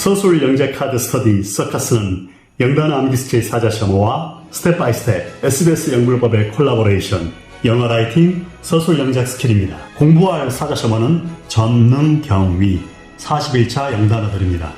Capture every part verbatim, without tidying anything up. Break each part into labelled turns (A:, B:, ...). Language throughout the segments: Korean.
A: 서술 영재 카드 스터디 서커스는 영단어 암기 스킬 사자셔머와 스텝 바이 스텝 에스비에스 영문법의 콜라보레이션 영어 라이팅 서술 영작 스킬입니다. 공부할 사자셔머는 전능 경위 사십일 차 영단어들입니다.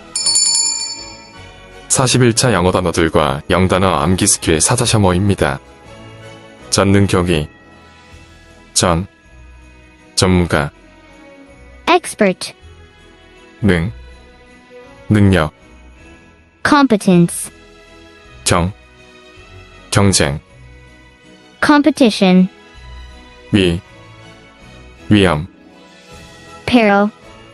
B: 사십일 차 영어 단어들과 영단어 암기 스킬 사자셔머입니다. 전능 경위 전 전문가
C: expert,
B: 능 능력
C: competence,
B: 경 경쟁
C: competition,
B: 위 위험
C: peril.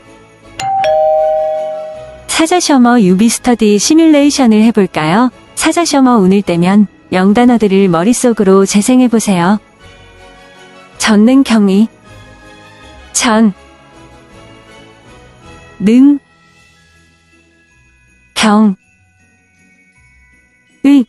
D: 사자셔머 유비스터디 시뮬레이션을 해볼까요? 사자셔머 운을 떼면 영단어들을 머릿속으로 재생해보세요. 전능 경위 전 능 경 의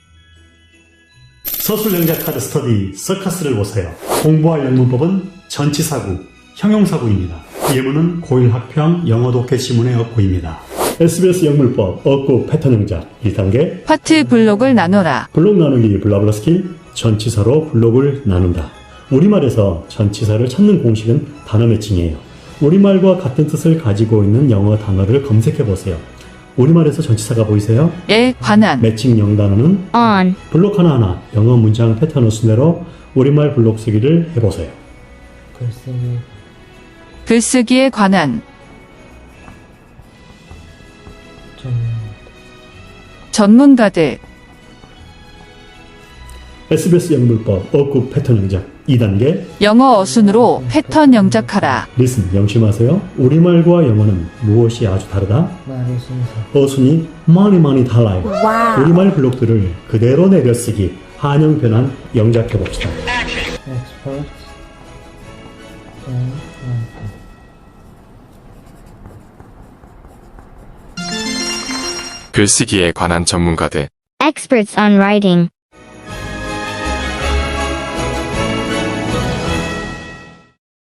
A: 서술 영작 카드 스터디 서커스를 보세요. 공부할 영문법은 전치사구, 형용사구입니다. 예문은 고일 학평 영어 독해 시문의 어구입니다. 에스비에스 영문법 어구 패턴 영작 일 단계
E: 파트 블록을 나눠라.
A: 블록 나누기 블라블라 스킬 전치사로 블록을 나눈다. 우리말에서 전치사를 찾는 공식은 단어 매칭이에요. 우리말과 같은 뜻을 가지고 있는 영어 단어를 검색해 보세요. 우리말에서 전치사가 보이세요?
E: 에 관한
A: 매칭 영단어는
C: on,
A: 블록 하나하나 영어 문장 패턴 순대로 우리말 블록 쓰기를 해보세요.
F: 글쓰기
E: 글쓰기에 관한
F: 좀
E: 전문가들
A: 에스비에스 영문법 어구 패턴 영작 이 단계
E: 영어 어순으로 패턴 영작하라.
A: 리슨 명심하세요. 우리말과 영어는 무엇이 아주 다르다?
F: 말의 순서
A: 어순이 많이 많이 달라요. 우리말 블록들을 그대로 내려쓰기 한영 변환 영작해 봅시다.
F: expert and writer.
B: 글쓰기에 관한 전문가들
C: experts on writing,